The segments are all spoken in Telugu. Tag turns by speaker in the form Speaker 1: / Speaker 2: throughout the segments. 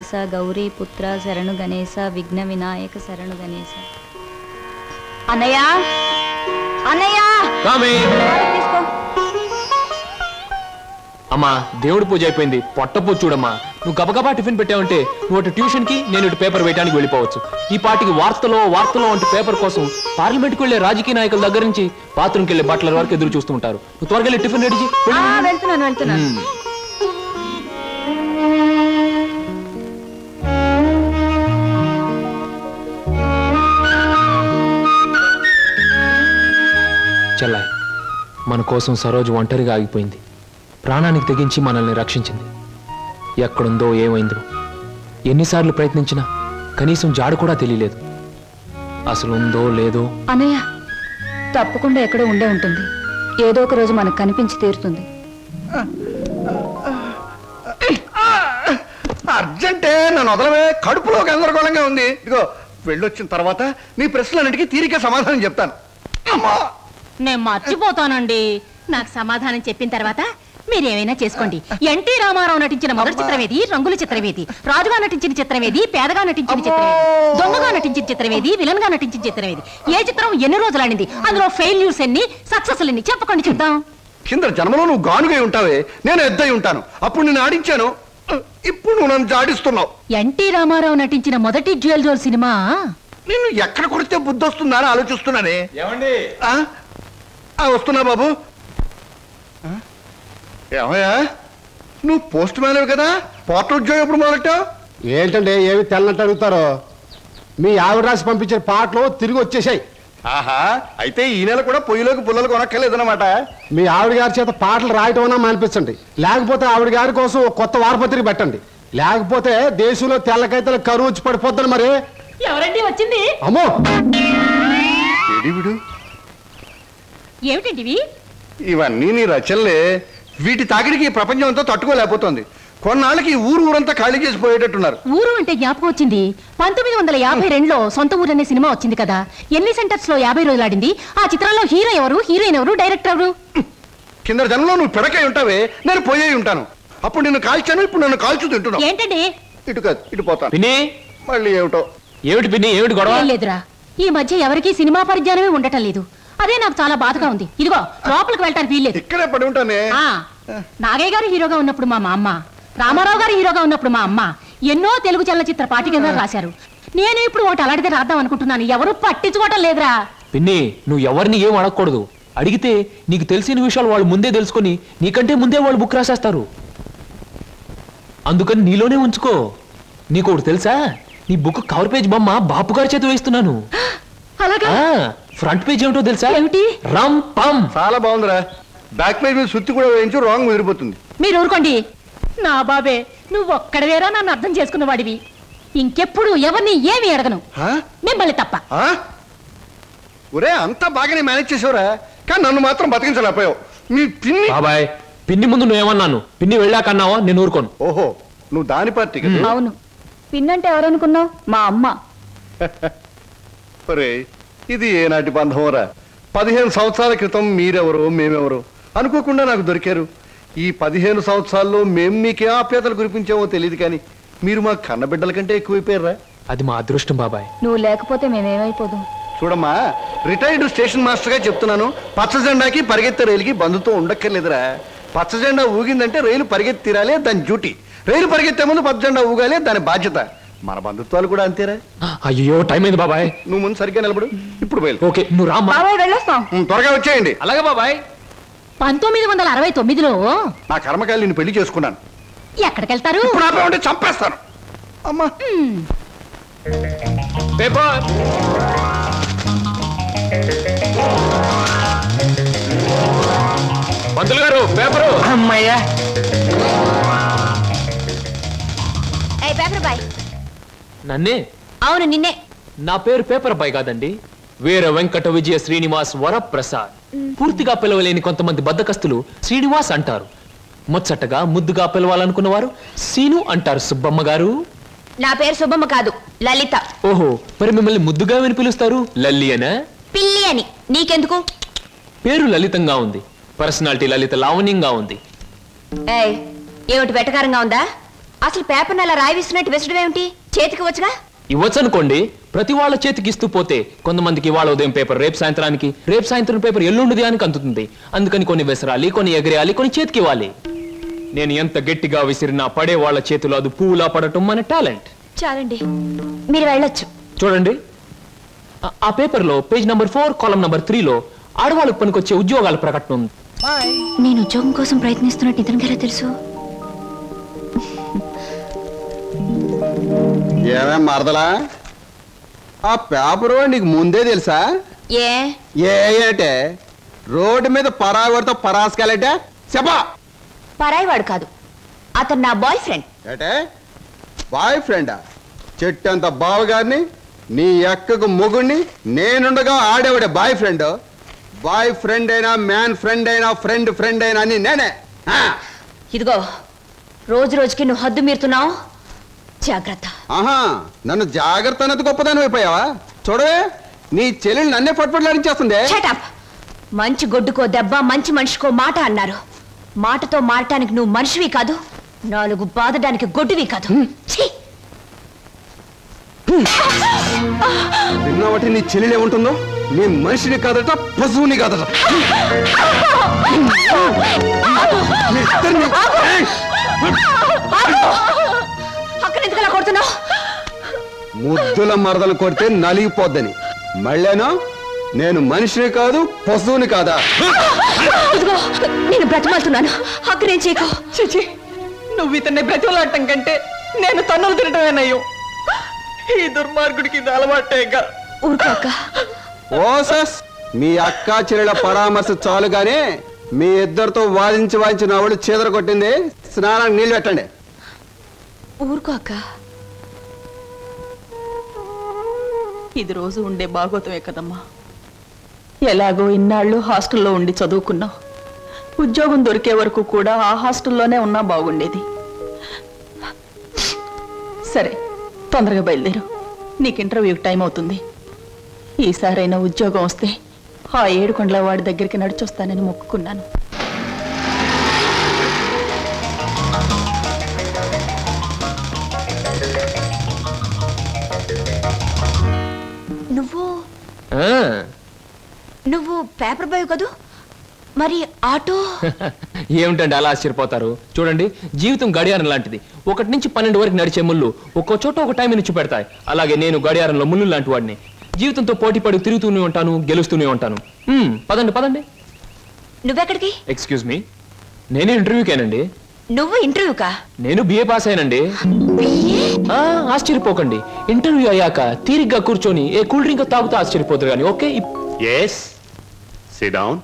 Speaker 1: గణేశ గౌరీ పుత్ర శరణు గణేశ విఘ్న వినాయక శరణు గణేశ. అన్నయ్య అన్నయ్య తీసుకో.
Speaker 2: అమ్మా దేవుడి పూజ అయిపోయింది, పొట్టపూ చూడమ్మా. నువ్వు గబగబా టిఫిన్ పెట్టావంటే నువ్వు అటు ట్యూషన్ కి, నేను ఇటు పేపర్ వేయడానికి వెళ్ళిపోవచ్చు. ఈ పాటికి వార్తలో అంటే పేపర్ కోసం పార్లమెంట్కి వెళ్లే రాజకీయ నాయకుల దగ్గర నుంచి బాత్రూమ్కి వెళ్లే బట్టల వరకు ఎదురు చూస్తూ ఉంటారు. నువ్వు త్వరగా వెళ్ళి టిఫిన్ రెడీ చేయి.
Speaker 1: వెళ్తున్నాను.
Speaker 2: చెల్లాయ్, మన కోసం సరోజు ఒంటరిగా ఆగిపోయింది. ప్రాణానికి తెగించి మనల్ని రక్షించింది. ఎక్కడుందో ఏమైందో ఎన్నిసార్లు ప్రయత్నించినా కనీసం జాడు కూడా తెలియలేదు. అసలు ఉందో లేదో.
Speaker 1: అన్నయ్య తప్పకుండా ఎక్కడో ఉండే ఉంటుంది. ఏదో ఒక రోజు మనకు కనిపించి తీరుతుంది.
Speaker 3: అర్జెంటే నన్ను వదలవే, కడుపులో గందరగోళంగా ఉంది. ఇదిగో వెళ్ళొచ్చిన తర్వాత నీ ప్రశ్నలన్నిటికీ తీరిక సమాధానం చెప్తాను.
Speaker 4: నేను మర్చిపోతానండి. నాకు సమాధానం చెప్పిన తర్వాత మీరేమైనా చేసుకోండి. ఎన్టీ రామారావు నటించిన మొదటి చిత్రమేది, రంగుల చిత్రమేది, రాజుగా నటించిన చిత్రమేది, పేదగా నటించిన చిత్రమేది, దొంగగా నటించిన చిత్రమేది, విలన్ గా నటించిన చిత్రమేది, ఏ చిత్రం ఎన్ని రోజులు ఆడింది, అందులో ఫెయిల్యూర్స్ ఎన్ని, సక్సెస్ ఎన్ని చెప్పకండి చూద్దాం.
Speaker 3: కింద జన్మలో నువ్వు గానుగై ఉంటావే, నేను ఎద్దై ఉంటాను. అప్పుడు నేను ఆడించాను, ఇప్పుడు నువ్వు నన్ను జాడిస్తున్నావు.
Speaker 4: ఎన్టీ రామారావు నటించిన మొదటి జ్యువెల్ జోల్ సినిమా
Speaker 3: నిన్ను ఎక్కడ కొడితే బుద్ధి వస్తుందా అని ఆలోచిస్తున్నానే.
Speaker 2: ఏమండి?
Speaker 3: వస్తున్నా బాబు. ఏమయ్యా, నువ్వు పోస్ట్ మ్యాన్ కదా, పోర్ట్ ఉద్యోగం ఎప్పుడు మొదలెట్టావు?
Speaker 5: ఏంటంటే ఏమి తెల్లంటే అడుగుతారో. మీ ఆవిడ రాసి పంపించిన పాటలు తిరిగి వచ్చేసాయి.
Speaker 3: ఆహా, అయితే ఈ నెల కూడా పొయ్యిలోకి పుల్లలు కొనక్కర్లేదన్నమాట.
Speaker 5: మీ ఆవిడ గారి చేత పాటలు రాయటం అన్నా మానిపించండి, లేకపోతే ఆవిడ గారి కోసం కొత్త వారపత్రిక పెట్టండి. లేకపోతే దేశంలో తెల్లకైతే కరువు వచ్చి పడిపోద్దని. మరి
Speaker 4: ఎవరండి వచ్చింది?
Speaker 5: అమ్మో,
Speaker 4: ఏమిటండి
Speaker 3: ఇవన్నీ నీ రచనలే. వీటి తాకిడికి ఈ ప్రపంచం అంతా తట్టుకోలేకపోతుంది. కొన్నాళ్ళకి ఊరంతా ఖాళీ చేసి పోయేటట్టున్నారు.
Speaker 4: ఊరు అంటే జ్ఞాపకం వచ్చింది. 1952లో సొంత ఊరు అనే సినిమా వచ్చింది కదా. ఎన్ని సెంటర్స్ లో 50 రోజులు ఆడింది. ఆ చిత్రంలో హీరో ఎవరు, హీరోయిన్ ఎవరు, డైరెక్టర్ ఎవరు?
Speaker 3: కింద జనంలో నువ్వు పిడకై ఉంటావే, నేను పోయే ఉంటాను. అప్పుడు నిన్ను కాల్చాను, ఇప్పుడు నన్ను కాల్చు తింటున్నావు.
Speaker 4: ఏంటండి?
Speaker 3: ఇటు కాదు, ఇటు పోతాను.
Speaker 2: పిన్ని,
Speaker 3: మళ్ళీ ఏమిటో.
Speaker 2: ఏమిటి పిన్ని, ఏమిటి గొడవ?
Speaker 4: లేదురా, ఈ మధ్య ఎవరికి సినిమా పరిజ్ఞానమే ఉండటం లేదు. అదే నాకు చాలా బాధగా ఉంది. ఇదిగో లోపలికి వెళ్ళటానికి వీల్లేదు.
Speaker 3: ఇక్కడే పడి ఉంటానే.
Speaker 4: నాగయ్య గారు హీరోగా ఉన్నప్పుడు మా అమ్మ, రామారావు గారు హీరోగా ఉన్నప్పుడు మా అమ్మ ఎన్నో తెలుగు చలనచిత్ర పాఠికగా రాశారు. నేను ఇప్పుడు ఒకటి అలాంటిదే రాద్దాం అనుకుంటున్నాను. ఎవరు పట్టించుకోవటం లేదురా.
Speaker 2: పిన్ని, నువ్వు ఎవరిని ఏం అడగకూడదు. అడిగితే నీకు తెలిసిన విషయాలు వాళ్ళు ముందే తెలుసుకొని నీకంటే ముందే వాళ్ళు బుక్ రాసేస్తారు. అందుకని నీలోనే ఉంచుకో. నీకు ఒకటి తెలుసా, నీ బుక్ కవర్ పేజ్ బొమ్మ బాపు గారి చేత వేస్తున్నాను. ఫ్రంట్ పేజ్ ఏమిటో తెలుసా?
Speaker 4: ఏమిటి?
Speaker 2: రమ్ పమ్.
Speaker 3: చాలా బాగుందిరా. బ్యాక్ పేజ్ మీద సుత్తి కూడా వేయించు, రాంగ్ ముదిరిపోతుంది.
Speaker 4: మీరు ఊరుకోండి. నా బాబే, నువ్వు ఒక్కడవేరా నన్ను అర్థం చేసుకున్న వాడివి. ఇంకెప్పుడు ఎవరిని ఏమి అడగను, మిమ్మల్ని తప్ప.
Speaker 3: ఒరే, అంతా బాగానే మేనేజ్ చేసావురా, కానీ నన్ను మాత్రం బతికించలేకపోయావు. మీ పిన్ని.
Speaker 2: బాబాయ్, పిన్ని ముందు నువ్వేమన్నాను, పిన్ని వెళ్ళాకన్నావా? నేను ఊరుకోను.
Speaker 3: ఓహో, నువ్వు దాని పార్టీ.
Speaker 1: అవును, పిన్నంటే ఎవరనుకున్నావు? మా అమ్మ.
Speaker 3: ఒరే, ఇది ఏనాటి బంధంరా. 15 సంవత్సరాల క్రితం మీరెవరు మేమెవరు అనుకోకుండా నాకు దొరికారు. ఈ 15 సంవత్సరాల్లో మేము మీకే ఆప్యాతలు కురిపించామో తెలియదు, కానీ మీరు మా కన్నబిడ్డల కంటే ఎక్కువైపోయారా.
Speaker 2: అది మా అదృష్టం బాబాయ్.
Speaker 1: నువ్వు లేకపోతే మేమేమైపోదు.
Speaker 3: చూడమ్మా, రిటైర్డ్ స్టేషన్ మాస్టర్ గా చెప్తున్నాను, పచ్చ జెండాకి పరిగెత్తే రైలుకి బంధుతో ఉండక్కర్లేదురా. పచ్చ జెండా ఊగిందంటే రైలు పరిగెత్తి తీరాలే, దాని డ్యూటీ. రైలు పరిగెత్తే ముందు పచ్చ జెండా ఊగాలే, దాని బాధ్యత. మన బంధుత్వాలు కూడా అంతేరా.
Speaker 2: అయ్యో, టైం అయింది బాబాయ్.
Speaker 3: నువ్వు ముందు సరిగ్గా నిలబడు. ఇప్పుడు బయలు.
Speaker 2: ఓకే, నువ్వు రామ్మా.
Speaker 1: వెళ్ళొస్తాం.
Speaker 3: త్వరగా వచ్చేయండి.
Speaker 2: అలాగే బాబాయ్.
Speaker 4: 1969లో
Speaker 3: నా కర్మకాయలు నిన్ను పెళ్లి చేసుకున్నాను.
Speaker 4: ఎక్కడికెళ్తారు?
Speaker 3: ఇప్పుడు ఆపే ఉంటే చంపేస్తాను. అమ్మా,
Speaker 2: పేపర్. పంతులు గారు, పేపరు.
Speaker 6: అమ్మయ్యా.
Speaker 4: Paper boy.
Speaker 2: నన్నే?
Speaker 4: అవును, నిన్నే.
Speaker 2: నా పేరు పేపర్ బాయ్ కాదండి, వీర వెంకట విజయ శ్రీనివాస్ వరప్రసాద్. పూర్తిగా పిలవలేని కొంతమంది బద్దకస్తులు శ్రీనివాస్ అంటారు. ముచ్చటగా ముద్దుగా పిలవాలనుకున్న వారు సీను అంటారు. సుబ్బమ్మ గారు.
Speaker 4: నా పేరు సుబ్బమ్మ కాదు, లలిత.
Speaker 2: ఓహో, మరి మిమ్మల్ని ముద్దుగా విని పిలుస్తారు లల్లి అనా?
Speaker 4: పిల్లి అని. నీకెందుకు?
Speaker 2: పేరు లలితంగా ఉంది, పర్సనాలిటీ లలిత లావణ్యంగా ఉంది.
Speaker 4: ఏమిటి వెటకారంగా ఉందా?
Speaker 1: అసలు పేపర్ని అలా రాయిస్తున్నట్టు విసడం ఏమిటి? చేతికి వచ్చుగా.
Speaker 2: ఇవ్వచ్చు అనుకోండి, ప్రతి వాళ్ళ చేతికి ఇస్తూ పోతే కొంతమందికి ఇవాళ ఉదయం పేపర్ రేపు సాయంత్రానికి, రేపు సాయంత్రం పేపర్ ఎల్లుండి అని అందుతుంది. అందుకని కొన్ని విసరాలి, కొన్ని ఎగరేయాలి, కొన్ని చేతికి ఇవ్వాలి. నేను ఎంత గట్టిగా విసిరినా పడే వాళ్ళ చేతిలో అది పువ్వులా పడటం మన టాలెంట్.
Speaker 1: చాలండి, మీరు వెళ్ళొచ్చు.
Speaker 2: చూడండి, ఆ పేపర్లో పేజ్ నంబర్ 4 కాలం నంబర్ 3లో ఆడవాళ్ళకు పనికొచ్చే ఉద్యోగాల ప్రకటన ఉంది.
Speaker 1: నేను ఉద్యోగం కోసం ప్రయత్నిస్తున్నట్టు ఇతనికి ఎలా తెలుసు?
Speaker 5: ఏమేం మరదలా, ఆ పేపరు నీకు ముందే తెలుసా? ఏంటే రోడ్డు మీద పరాగడితో పరాసుకెళ్ళటే చెప్పా.
Speaker 1: పరాయివాడు కాదు, అతను నా బాయ్ ఫ్రెండ్.
Speaker 5: ఏటే బాయ్ ఫ్రెండా? చెట్టంత బావగారిని, నీ ఎక్కకు మొగుణ్ణి, నేనుండగా ఆడేవాడే బాయ్ ఫ్రెండ్. బాయ్ ఫ్రెండ్ అయినా, మ్యాన్ ఫ్రెండ్ అయినా, ఫ్రెండ్ ఫ్రెండ్ అయినా అని నేనే.
Speaker 1: ఇదిగో, రోజు రోజుకి నువ్వు హద్దు మీరుతున్నావు, జాగ్రత్త.
Speaker 5: ఆహా, నన్ను జాగ్రత్త అన్నది గొప్పదాని అయిపోయావా? చూడవే, నీ చెల్లెలు నన్నే పట్టుపట్లాడించేస్తుంది.
Speaker 1: మంచి గొడ్డుకో దెబ్బ, మంచి మనిషికో మాట అన్నారు. మాటతో మారటానికి నువ్వు మనిషివి కాదు, 4 బాదడానికి గొడ్డువి కాదు.
Speaker 5: విన్నావటి నీ చెల్లెలే ఉంటుందో? నీ మనిషిని కాదట, పశువుని కాదట.
Speaker 1: అక్కడ ఎందుకలా కొడుతున్నావు?
Speaker 5: ముద్దుల మరదలు కొడితే నలిగిపోద్దని. మళ్ళేనో నేను మనిషిని కాదు, పశువుని కాదా?
Speaker 1: నేను బ్రతిమాలుతున్నాను, అక్కడేం చేయకు.
Speaker 6: చిచి, నువ్వు ఇతన్ని బ్రతిమలాడటం కంటే నేను తన్నులు తినటమేనయ్యో. ఈ దుర్మార్గుడికి ఇది అలవాటేగా.
Speaker 1: ఊరుకోక.
Speaker 5: ఓసస్, మీ అక్క చెల్లెల పరామర్శ చాలుగానే మీ ఇద్దరితో వాదించి నా వాళ్ళు చీదర కొట్టింది. స్నానానికి నీళ్ళు పెట్టండి.
Speaker 1: ఊరుకోక.
Speaker 6: ఇది రోజు ఉండే భాగవతమే కదమ్మా. ఎలాగో ఇన్నాళ్ళు హాస్టల్లో ఉండి చదువుకున్నావు. ఉద్యోగం దొరికే వరకు కూడా ఆ హాస్టల్లోనే ఉన్నా బాగుండేది. సరే, తొందరగా బయలుదేరు, నీకు ఇంటర్వ్యూకి టైం అవుతుంది. ఈసారైనా ఉద్యోగం వస్తే ఆ 7 కొండల వాడి దగ్గరికి నడిచొస్తానని మొక్కుకున్నాను.
Speaker 1: నువ్వు పేపర్ బాయ్ కదూ, మరి ఆటో?
Speaker 2: ఏమిటండి అలా ఆశ్చర్యపోతారు? చూడండి, జీవితం గడియారం లాంటిది. 1 నుంచి 12 వరకు నడిచే ముళ్ళు ఒక్కో చోట ఒక టైం నుంచి పెడతాయి. అలాగే నేను గడియారంలో ముళ్ళు లాంటి వాడిని. జీవితంతో పోటీ పడి తిరుగుతూనే ఉంటాను, గెలుస్తూనే ఉంటాను. పదండి పదండి.
Speaker 1: నువ్వెక్కడికి?
Speaker 2: ఎక్స్క్యూజ్ మీ, నేను ఇంటర్వ్యూకేనండి.
Speaker 1: నువ్వు ఇంటర్వ్యూకా?
Speaker 2: నేను బిఏ పాస్ అయినండి. ఆశ్చర్యపోకండి, ఇంటర్వ్యూ అయ్యాక తీరిగ్గా కూర్చొని ఏ కూల్ డ్రింక్ తాగుతూ ఆశ్చర్యపోతారు కానీ. Okay,
Speaker 7: SIT down.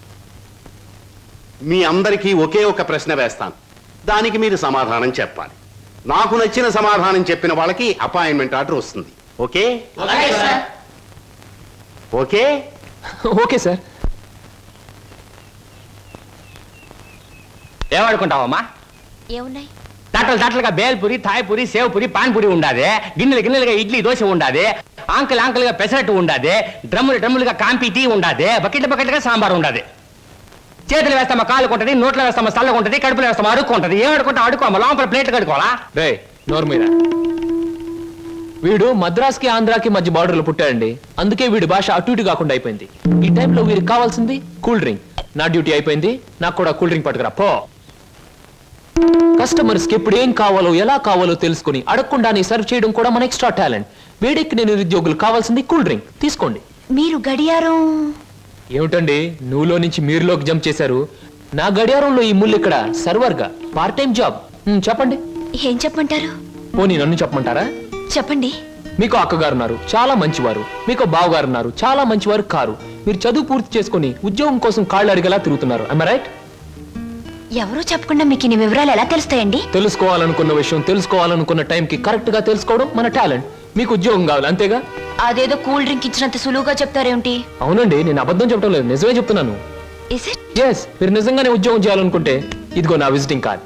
Speaker 7: మీ అందరికీ ఒకే ఒక ప్రశ్న వేస్తాను, దానికి మీరు సమాధానం చెప్పాలి. నాకు నచ్చిన సమాధానం చెప్పిన వాళ్ళకి అపాయింట్మెంట్ ఆర్డర్ వస్తుంది. ఓకే? Okay
Speaker 2: okay sir.
Speaker 8: ఏమనుకుంటావమ్మా?
Speaker 1: ఏమున్నాయి?
Speaker 8: తట్టలుగా బేల్పూరి, థాయ్పూరి, సేవ్పూరి, పాన్పూరి ఉండాది. గిన్నెలుగా ఇడ్లీ దోశ ఉండాది. ఆంకలుగా పెసరట్టు ఉండాది. డ్రమ్ములుగా కాంపి టీ ఉండాది. బకెట్లుగా సాంబార్ ఉండాది. చేతులు వేస్తామా కాలుకుంటది, నోట్లో వేస్తామా చల్లకుంటది, కడుపులో వేస్తామా అడుక్కుంటది. ఏమడుకుంటా అడుకోమా, లోపల ప్లేట్ కడుకోవాలా?
Speaker 2: రే నోరు మీద. వీడు మద్రాస్కి ఆంధ్రాకి మధ్య బార్డర్లో పుట్టాడండి. అందుకే వీడి భాష అటు ఇటు కాకుండా అయిపోయింది. ఈ టైంలో వీరికి కావాల్సింది కూల్ డ్రింక్. నా డ్యూటీ అయిపోయింది, నాకు కూడా కూల్ డ్రింక్ పట్టుకురా పో. కస్టమర్స్ కి ఎప్పుడు ఏం కావాలో ఎలా కావాలో తెలుసుకుని అడగకుండానే సర్వ్ చేయడం కూడా మన ఎక్స్ట్రా టాలెంట్. వేడెక్కిన నిరుద్యోగులు కావాల్సింది కూల్ డ్రింక్. తీసుకోండి.
Speaker 1: మీరు గడియారం?
Speaker 2: ఏమిటండి నువ్వులో నుంచి మీరులోకి జంప్ చేశారు? నా గడియారంలో ఈ ముళ్ళు ఇక్కడ సర్వర్గా పార్ట్ టైం జాబ్. చెప్పండి.
Speaker 1: ఏం చెప్పమంటారు?
Speaker 2: పోనీ నన్ను చెప్పమంటారా?
Speaker 1: చెప్పండి.
Speaker 2: మీకు అక్కగారు ఉన్నారు, చాలా మంచివారు. మీకు బావగారు ఉన్నారు, చాలా మంచివారు కారు. మీరు చదువు పూర్తి చేసుకుని ఉద్యోగం కోసం కాళ్ళు అడిగేలా తిరుగుతున్నారు. I am right?
Speaker 1: ఎవరో చెప్పకుండా మీకు ఇన్ని వివరాలు ఎలా తెలుస్తాయండి?
Speaker 2: తెలుసుకోవాలనుకున్న విషయం తెలుసుకోవాలనుకున్న టైంకి కరెక్ట్ గా తెలుసుకోవడం మన టాలెంట్. మీకు ఉద్యోగం కావాలి అంతేగా?
Speaker 1: అదేదో కూల్ డ్రింక్ ఇచ్చినంత సులువుగా చెప్తారేమిటి?
Speaker 2: అవునండి, నేను అబద్ధం చెప్పడం లేదు, నిజమే చెప్తున్నాను. ఎస్, మీరు నిజంగానే ఉద్యోగం చేయాలనుకుంటే ఇదిగో నా విజిటింగ్ కార్డ్.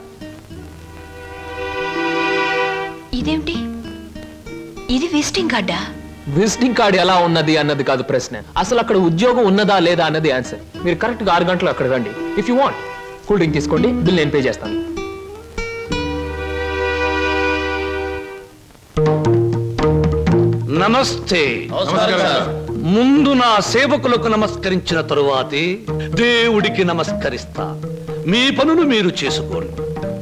Speaker 1: ఇదేమిటి? ఇది విజిటింగ్ కార్డా?
Speaker 2: విజిటింగ్ కార్డ్ ఎలా ఉన్నది అన్నది కాదు ప్రశ్న, అసలు అక్కడ ఉద్యోగం ఉన్నదా లేదా అన్నది ఆన్సర్. మీరు కరెక్ట్ గా 6 గంటలు అక్కడ రండి. If you want cool drink తీసుకోండి, బిల్ నేను పే చేస్తాను.
Speaker 9: నమస్తే. ముందు నా సేవకులకు నమస్కరించిన తరువాతే దేవుడికి నమస్కరిస్తా. మీ పనులు మీరు చేసుకోండి.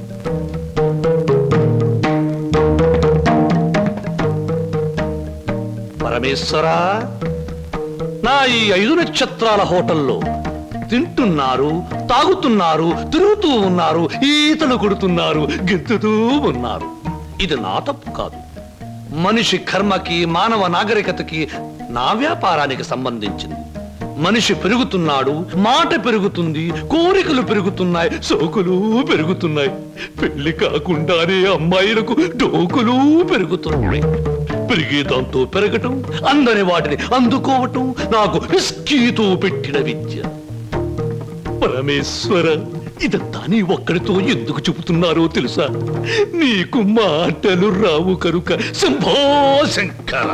Speaker 9: పరమేశ్వరా, నా ఈ 5 నక్షత్రాల హోటల్లో తింటున్నారు, తాగుతున్నారు, తిరుగుతూ ఉన్నారు, ఈతలు కొడుతున్నారు, గెంతుతూ ఉన్నారు. ఇది నా తప్పు కాదు. మనిషి కర్మకి, మానవ నాగరికతకి, నా వ్యాపారానికి సంబంధించింది. మనిషి పెరుగుతున్నాడు, మాట పెరుగుతుంది, కోరికలు పెరుగుతున్నాయి, సోకులు పెరుగుతున్నాయి. పెళ్లి కాకుండానే అమ్మాయిలకు డోకులు పెరుగుతున్నాయి. పెరిగేదాంతో పెరగటం, అందని వాటిని అందుకోవటం నాకు రిస్కీతో పెట్టిన విద్య. పరమేశ్వర, ఇదంతా నీ ఒక్కడితో ఎందుకు చెబుతున్నారో తెలుసా? నీకు మాటలు రావు కనుక. Shambho Shankara.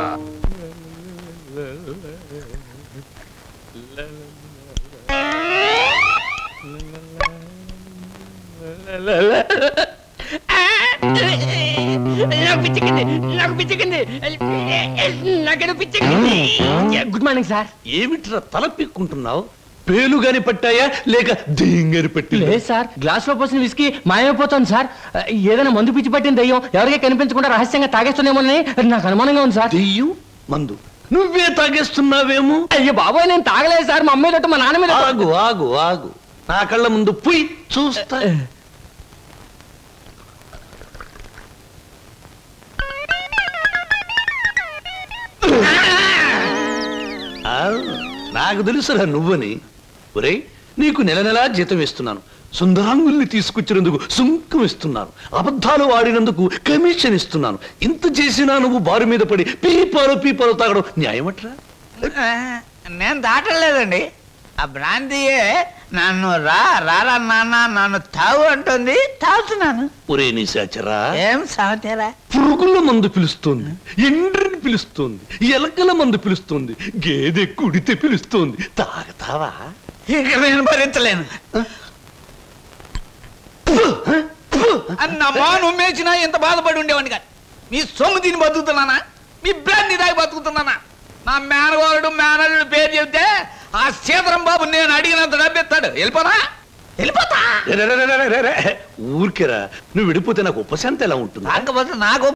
Speaker 8: Good morning sir.
Speaker 9: ఏమిట్రా తల పిక్కుంటున్నావు? పేలుగాని పట్టాయా లేక దెయ్యంగాని పట్టి?
Speaker 8: లేదు సార్, గ్లాస్ లో పోసిన విస్కీ మాయమైపోతుంది సార్. ఏదైనా మందు పిచ్చి పట్టిన దయ్యం ఎవరికీ కనిపించకుండా రహస్యంగా తాగేస్తున్నామోనని నాకు అనుమానంగా ఉంది సార్.
Speaker 9: దెయ్యం మందు నువ్వే తాగేస్తున్నావేమో?
Speaker 8: అయ్యో బాబోయ్, నేను తాగలేదు సార్. మా అమ్మాయి తోటి మా నాన్న మీద.
Speaker 9: ఆగు ఆగు ఆగు, నా కళ్ళ ముందు పుయ్ చూస్తా. నాకు తెలుసురా నువ్వని. ఒరేయ్, నీకు నెల నెలా జీతం ఇస్తున్నాను, సుందరాంగుల్ని తీసుకొచ్చినందుకు సుంకం ఇస్తున్నాను, అబద్ధాలు ఆడినందుకు కమిషన్ ఇస్తున్నాను. ఇంత చేసినా నువ్వు బారు మీద పడి పీపాలు తాగడం న్యాయమట్రా?
Speaker 10: నేను దాటలేదండి. ఆ భ్రాంతియే నన్ను రారా నాన్న నన్ను తాగు అంటుంది, తాగుతున్నాను.
Speaker 9: ఒరే నిశాచరా,
Speaker 10: ఏం సమాచారా?
Speaker 9: పురుగుల మందు పిలుస్తోంది, ఎండ్రిని పిలుస్తోంది, ఎలకల మందు పిలుస్తోంది, గేదె కుడితే పిలుస్తోంది. తాగతావా?
Speaker 10: ఇక నేను భరించలేను. అన్నమ్మా, నువ్వు మేచినా ఎంత బాధపడి ఉండేవాడిని కాదు. మీ సొమ్ము తిని బతుకుతున్నానా? మీ బ్రాంతి దాగి బతుకుతున్నానా? నా మేనవారుడు మేనల్లుడు పేరు చెబితే ఆ సీతరం బాబు నేను అడిగినంత డబ్బిస్తాడు. వెళ్ళిపోతా.
Speaker 9: ఊరికేరా, నువ్వు విడిపోతే నాకు ఉపశాంతి ఎలా ఉంటుంది?
Speaker 10: కాకపోతే నాకు